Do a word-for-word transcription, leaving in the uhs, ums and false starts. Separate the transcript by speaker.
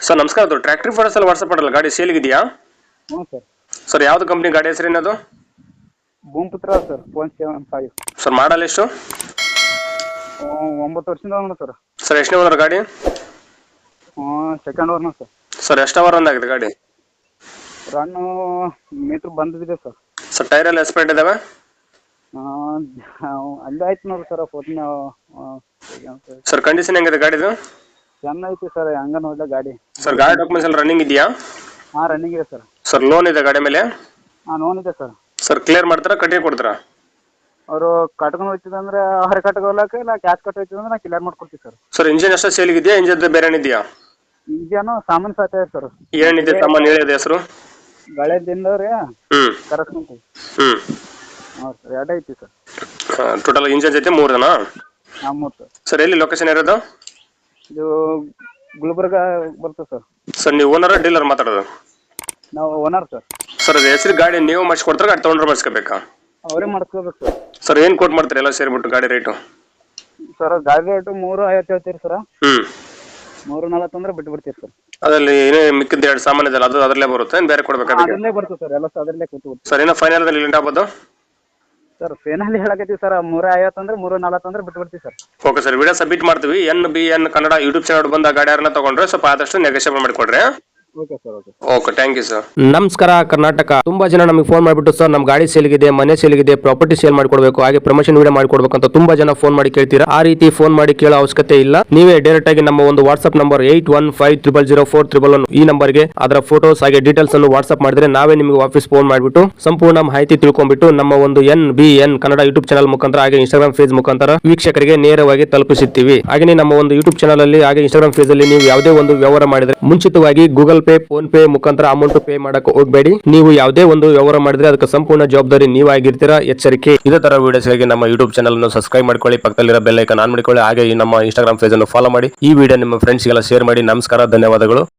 Speaker 1: Sir ನಮಸ್ಕಾರ, ಅದು tractor photos ಎಲ್ಲ ವಾಟ್ಸಪ್ ಮಾಡಲ್ಲ, ಗಾಡಿ ಸೇಲ್ಗಿದೆಯಾ?
Speaker 2: ಹ್ಞೂ ಸರ್.
Speaker 1: ಸರ್ ಯಾವ್ದು ಕಂಪ್ನಿ ಗಾಡಿ ಹೆಸರೇನದು?
Speaker 2: Bhoomiputra sir, one seven five.
Speaker 1: Sir model ಎಷ್ಟು?
Speaker 2: ಒಂಬತ್ತು ವರ್ಷದಿಂದ ಅವನು ಸರ್.
Speaker 1: ಸರ್ ಎಷ್ಟನೇ ಓನರ್ ಗಾಡಿ?
Speaker 2: ಸೆಕೆಂಡ್ ಓರ್ನ ಸರ್.
Speaker 1: ಸರ್ ಎಷ್ಟು ಅವರ್ ಆಗಿದೆ ಗಾಡಿ?
Speaker 2: ರನ್ನು ಮೀಟ್ರ್ ಬಂದಿದೆ ಸರ್.
Speaker 1: ಸರ್ ಟೈರ್ ಎಲ್ಲ ಎಸ್ಪೆಂಟ್ ಇದಾವೆ?
Speaker 2: ಅಲ್ಲೇ ಆಯ್ತು ನೋಡಿ ಸರ್ ಫೋಟೋನ.
Speaker 1: ಸರ್ ಕಂಡೀಷನ್ ಹೆಂಗಿದೆ ಗಾಡಿದು?
Speaker 2: ಚೆನ್ನಾಗೈತಿ ಸರ್, ಹಂಗ ನೋಡಿದ ಗಾಡಿ.
Speaker 1: ಸರ್ ಗಾಡಿ ಡಾಕ್ಯುಮೆಂಟ್ಸ್ ಎಲ್ಲ ರನ್ನಿಂಗ್ ಇದೆಯಾ?
Speaker 2: ಹಾಂ ರನ್ನಿಂಗ್ ಇದೆ ಸರ್.
Speaker 1: ಸರ್ ಲೋನ್ ಇದೆ ಗಾಡಿ ಮೇಲೆ?
Speaker 2: ಹಾಂ ಲೋನ್ ಇದೆ ಸರ್.
Speaker 1: ಸರ್ ಕ್ಲಿಯರ್ ಮಾಡ್ತಾರಾ ಕಟ್ಟಿ ಕೊಡ್ತಾರಾ?
Speaker 2: ಅವರು ಕಟ್ಕೊಂಡು ಹೋಗ್ತಿದೆ ಅಂದ್ರೆ ಅವ್ರೆ ಕಟ್ಕೊಳಕ್ಕೆ, ಇಲ್ಲ ಕ್ಯಾಶ್ ಕಟ್ ಹೋಗ್ತಿದೆ ಅಂದ್ರೆ ನಾ ಕ್ಲಿಯರ್ ಮಾಡ್ಕೊಡ್ತೀವಿ ಸರ್.
Speaker 1: ಸರ್ ಇಂಜಿನ್ ಅಷ್ಟೇ ಸೇಲ್ಗಿದೆಯಾ, ಇಂಜಿನ್ ಬೇರೆ ಏನಿದೆಯಾ?
Speaker 2: ಈಗೇನು ಸಾಮಾನು ಸಾಧ್ಯ ಇದೆ ಸರ್.
Speaker 1: ಏನಿದೆ ಸಾಮಾನು ಹೇಳಿದೆ ಹೆಸರು?
Speaker 2: ಗಳೆದಿಂದವ್ರಿ
Speaker 1: ಹ್ಮ್
Speaker 2: ಕರೆಸ್ಕೊಂತೀವಿ.
Speaker 1: ಹ್ಮ್
Speaker 2: ಹಾಂ ಸರ್, ಎರಡೇ ಐತಿ ಸರ್.
Speaker 1: ಟೋಟಲ್ ಇಂಜಿನ್ ಜೊತೆ ಮೂರು ಜನ?
Speaker 2: ಹಾಂ ಮೂರು ಸರ್.
Speaker 1: ಸರ್ ಎಲ್ಲಿ ಲೊಕೇಶನ್ ಇರೋದು?
Speaker 2: ಇದು ಗುಲ್ಬರ್ಗ ಬರ್ತದೆ ಸರ್.
Speaker 1: ಸರ್ ನೀವು ಓನರ್ ಡೀಲರ್ ಮಾತಾಡೋದು?
Speaker 2: ನಾವು ಓನರ್ ಸರ್.
Speaker 1: ಸರ್ ಅದು ಹೆಸರು ಗಾಡಿ ನೀವು ಮಾಡಿಸ್ಕೊಡ್ತಾರೆ, ಗಾಡಿ ತೊಗೊಂಡ್ರೆ ಮಾಡಿಸ್ಕೋಬೇಕಾ?
Speaker 2: ಅವರೇ ಮಾಡಿಸ್ಕೋಬೇಕು ಸರ್.
Speaker 1: ಸರ್ ಏನು ಕೋಟ್ ಮಾಡ್ತೀರಿ ಎಲ್ಲ ಸೇರಿಬಿಟ್ಟು ಗಾಡಿ ರೇಟು?
Speaker 2: ಸರ್ ಗಾಡಿ ರೇಟು ಮೂರು ಐವತ್ತು ಹೇಳ್ತೀರಿ ಸರ್.
Speaker 1: ಹ್ಮ್
Speaker 2: ಮೂರು ನಲವತ್ತು ಅಂದ್ರೆ ಬಿಟ್ಟು ಬಿಡ್ತೀರಿ ಸರ್.
Speaker 1: ಅದರಲ್ಲಿ ಏನೇ ಮಿಕ್ಕಿದ ಎರಡು ಸಾಮಾನು ಇದೆಯಲ್ಲ ಅದು ಅದರಲ್ಲೇ ಬರುತ್ತೆ, ಏನು ಬೇರೆ ಕೊಡ್ಬೇಕಾ?
Speaker 2: ಅದರಲ್ಲೇ ಬರ್ತದೆ ಸರ್, ಎಲ್ಲ ಅದರಲ್ಲೇ ಕೂತು ಬಿಡ್ತೀವಿ
Speaker 1: ಸರ್ ಏನೋ ಫೈನಲ್ ಲಿಂಟ್ ಆಗ್ಬೋದು
Speaker 2: ಸರ್. ಫೈನಲ್ ಹೇಳಕತ್ತೀವಿ ಸರ್, ಮೂರ ಐವತ್ತು ಅಂದ್ರೆ ಮೂರು ನಲವತ್ತು ಅಂದ್ರೆ ಬಿಟ್ಟು ಬಿಡ್ತೀವಿ sir.
Speaker 1: Okay sir, video submit ಮಾಡ್ತೀವಿ. N B N Kannada YouTube channel ಬಂದ ಗಾಡಿ ಯಾರನ್ನ ತಗೊಂಡ್ರೆ ಸ್ವಲ್ಪ ಆದಷ್ಟು ನೆಗೋಷಿಯೇಟ್ ಮಾಡಿಕೊಡ್ರಿ.
Speaker 2: Okay sir. Okay
Speaker 1: okay, thank you sir.
Speaker 3: ನಮಸ್ಕಾರ ಕರ್ನಾಟಕ. ತುಂಬಾ ಜನ ನಮಗೆ ಫೋನ್ ಮಾಡಿಬಿಟ್ಟು ಸರ್ ನಮ್ಮ ಗಾಡಿ ಸೇಲ್ಗಿದೆ, ಮನೆ ಸೇಲ್ಗಿದೆ, ಪ್ರಾಪರ್ಟಿ ಸೇಲ್ ಮಾಡ್ಕೊಡ್ಬೇಕು, ಹಾಗೆ ಪ್ರಮೋಷನ್ ವಿಡಿಯೋ ಮಾಡ್ಕೊಡ್ಬೇಕು ಅಂತ ತುಂಬಾ ಜನ ಫೋನ್ ಮಾಡಿ ಕೇಳ್ತೀರಾ. ಆ ರೀತಿ ಫೋನ್ ಮಾಡಿ ಕೇಳೋ ಅವಶ್ಯಕತೆ ಇಲ್ಲ. ನೀವೇ ಡೈರೆಕ್ಟ್ ಆಗಿ ನಮ್ಮ ಒಂದು WhatsApp number eight one five triple zero four triple one ಈ ನಂಬರ್ಗೆ ಅದರ ಫೋಟೋಸ್ ಹಾಗೆ ಡೀಟೇಲ್ಸ್ ಅನ್ನು ವಾಟ್ಸ್ಆಪ್ ಮಾಡಿದ್ರೆ ನಾವೇ ನಿಮಗೆ ವಾಪಸ್ ಫೋನ್ ಮಾಡಿಬಿಟ್ಟು ಸಂಪೂರ್ಣ ಮಾಹಿತಿ ತಿಳ್ಕೊಂಡ್ಬಿಟ್ಟು ನಮ್ಮ ಒಂದು N B N Kannada YouTube channel ಮುಖಾಂತರ ಹಾಗೆ ಇನ್ಸ್ಟಾಗ್ರಾಮ್ ಫೇಸ್ ಮುಖಾಂತರ ವೀಕ್ಷಕರಿಗೆ ನೇರವಾಗಿ ತಲುಪಿಸುತ್ತೀವಿ. ಹಾಗೆ ನಮ್ಮ ಒಂದು ಯೂಟ್ಯೂಬ್ ಚಾನಲ್ ಅಲ್ಲಿ ಹಾಗೆ ಇನ್ಸ್ಟಾಗ್ರಾಮ್ ಫೇಸ್ ಅಲ್ಲಿ ನೀವು ಯಾವುದೇ ಒಂದು ವ್ಯವಹಾರ ಮಾಡಿದ್ರೆ ಮುಂಚಿತವಾಗಿ ಗೂಗಲ್ ಪೇ, ಫೋನ್ ಪೇ ಮುಖಾಂತರ ಅಮೌಂಟ್ ಪೇ ಮಾಡಕ್ಕೆ ಹೋಗಬೇಡಿ. ನೀವು ಯಾವುದೇ ಒಂದು ವ್ಯವಹಾರ ಮಾಡಿದ್ರೆ ಅದಕ್ಕೆ ಸಂಪೂರ್ಣ ಜವಾಬ್ದಾರಿ ನೀವಾಗಿರ್ತೀರಾ, ಎಚ್ಚರಿಕೆ. ಇದೇ ತರ ವಿಡಿಯೋಸ್ಗಾಗಿ ನಮ್ಮ ಯೂಟ್ಯೂಬ್ ಚಾನಲ್ ಅನ್ನು ಸಬ್ಸ್ಕ್ರೈಬ್ ಮಾಡ್ಕೊಳ್ಳಿ, ಪಕ್ಕದಲ್ಲಿರೋ ಬೆಲ್ ಐಕಾನ್ ಆನ್ ಮಾಡಿಕೊಳ್ಳಿ, ಹಾಗೆ ನಮ್ಮ ಇನ್ಸ್ಟಾಗ್ರಾಮ್ ಪೇಜ್ ಅನ್ನು ಫಾಲೋ ಮಾಡಿ. ಈ ವಿಡಿಯೋ ನಿಮ್ಮ ಫ್ರೆಂಡ್ಸ್ಗೆಲ್ಲ ಶೇರ್ ಮಾಡಿ. ನಮಸ್ಕಾರ, ಧನ್ಯವಾದಗಳು.